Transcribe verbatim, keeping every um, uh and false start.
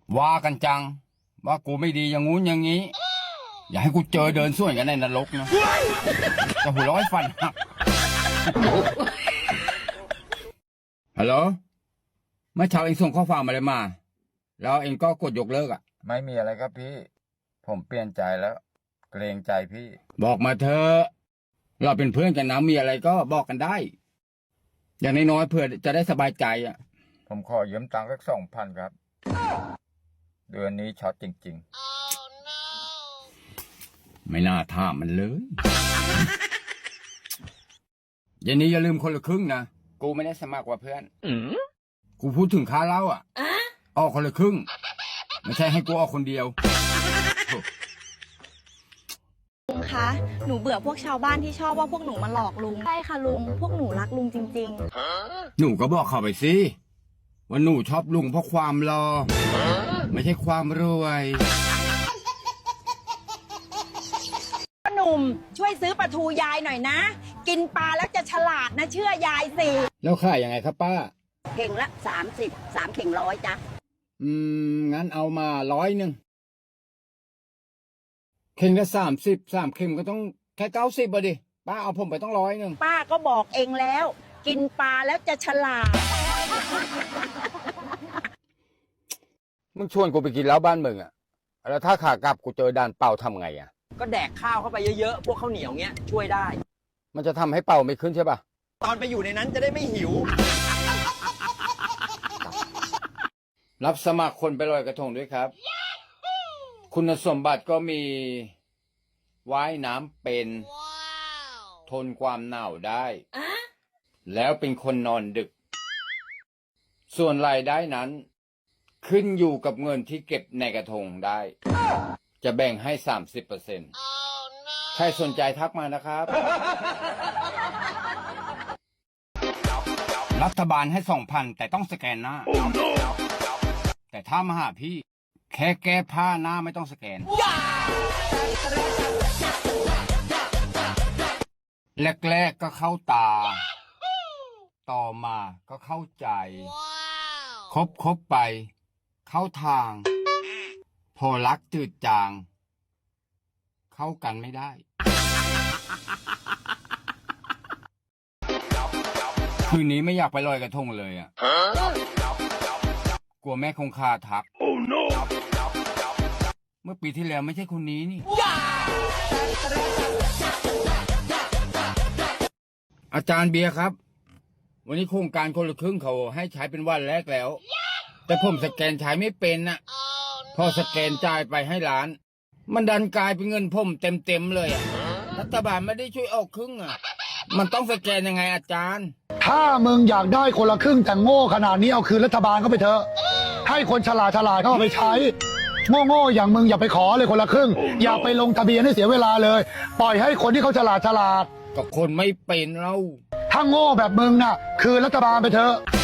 ว่ากันจังว่ากูไม่ดีอย่างงู้นอย่างงี้ อย่าให้กูเจอเดินส่วนกันในนรกนะจะหัวเร้อยฟันหักฮัลโหลเมื่อเช้าเองส่งข้อความอะไรมา แล้วเองก็กดยกเลิกอ่ะไม่มีอะไรครับพี่ผมเปลี่ยนใจแล้วเกรงใจพี่บอกมาเถอะเราเป็นเพื่อนกันนะมีอะไรก็บอกกันได้ อย่างน้อยๆเพื่อจะได้สบายใจอ่ะผมขอยืมตังค์สักสองพันครับเดือนนี้ช็อตจริงๆ oh, no. ไม่น่าถามมันเลยอย่างนี้อย่าลืมคนละครึ่งนะกูไม่ได้สมัครว่าเพื่อนกูพูดถึงค่าเหล้าอ่ะออกคนละครึ่งไม่ใช่ให้กูออกคนเดียวลุงคะหนูเบื่อพวกชาวบ้านที่ชอบว่าพวกหนูมาหลอกลุงใช่ค่ะลุงพวกหนูรักลุงจริงๆหนูก็บอกเขาไปสิว่าหนูชอบลุงเพราะความรอไม่ใช่ความรวยหนุ่มช่วยซื้อปลาทูยายหน่อยนะกินปลาแล้วจะฉลาดนะเชื่อยายสิแล้วขายยังไงครับป้าเข่งละสามสิบสามเข่งร้อยจ้ะอืมงั้นเอามาร้อยหนึ่งเข่งละสามสิบสามเข่งก็ต้องแค่เก้าสิบอ่ะดิป้าเอาผมไปต้องร้อยหนึ่งป้าก็บอกเองแล้วกินปลาแล้วจะฉลาดมึงชวนกูไปกินแล้วบ้านมึงอ่ะแล้วถ้าขากลับกูเจอด่านเป่าทำไงอ่ะก็แดกข้าวเข้าไปเยอะๆพวกข้าวเหนียวเงี้ยช่วยได้มันจะทำให้เป่าไม่ขึ้นใช่ป่ะตอนไปอยู่ในนั้นจะได้ไม่หิวรับสมัครคนไปลอยกระทงด้วยครับ คุณสมบัติก็มีว่ายน้ำเป็น ทนความหนาวได้ แล้วเป็นคนนอนดึก ส่วนรายได้นั้น ขึ้นอยู่กับเงินที่เก็บในกระทงได้ จะแบ่งให้ สามสิบเปอร์เซ็นต์ ใครสนใจทักมานะครับ รัฐบาลให้ สองพัน แต่ต้องสแกนหน้า oh, no. แต่ถ้ามาหาพี่แค่แก้ผ้าหน้าไม่ต้องสแกน แรกๆก็เข้าตา ต่อมาก็เข้าใจ คบคบไปเข้าทาง พอรักจืดจาง เข้ากันไม่ได้ คืนนี้ไม่อยากไปลอยกระทงเลยอ่ะกลัวแม่คงคาทัก oh, no. เมื่อปีที่แล้วไม่ใช่คนนี้นี่ อาจารย์เบียร์ครับ วันนี้โครงการคนละครึ่งเขาให้ใช้เป็นวันแรกแล้ว แต่ผมสแกนใช้ไม่เป็นน่ะ oh, no. พอสแกนจ่ายไปให้ร้าน มันดันกลายเป็นเงินผมเต็มๆเลยอ่ะรัฐบาลไม่ได้ช่วยออกครึ่งอ่ะมันต้องสแกนยังไงอาจารย์ถ้ามึงอยากได้คนละครึ่งแต่โง่ขนาดนี้เอาคืนรัฐบาลเข้าไปเถอะให้คนฉลาดฉลาดเข้าไปใช้โง่ๆอย่างมึงอย่าไปขอเลยคนละครึ่ง oh, no. อย่าไปลงทะเบียนให้เสียเวลาเลยปล่อยให้คนที่เขาฉลาดฉลาดกับคนไม่เป็นเราถ้าโง่แบบมึงน่ะคืนรัฐบาลไปเถอะ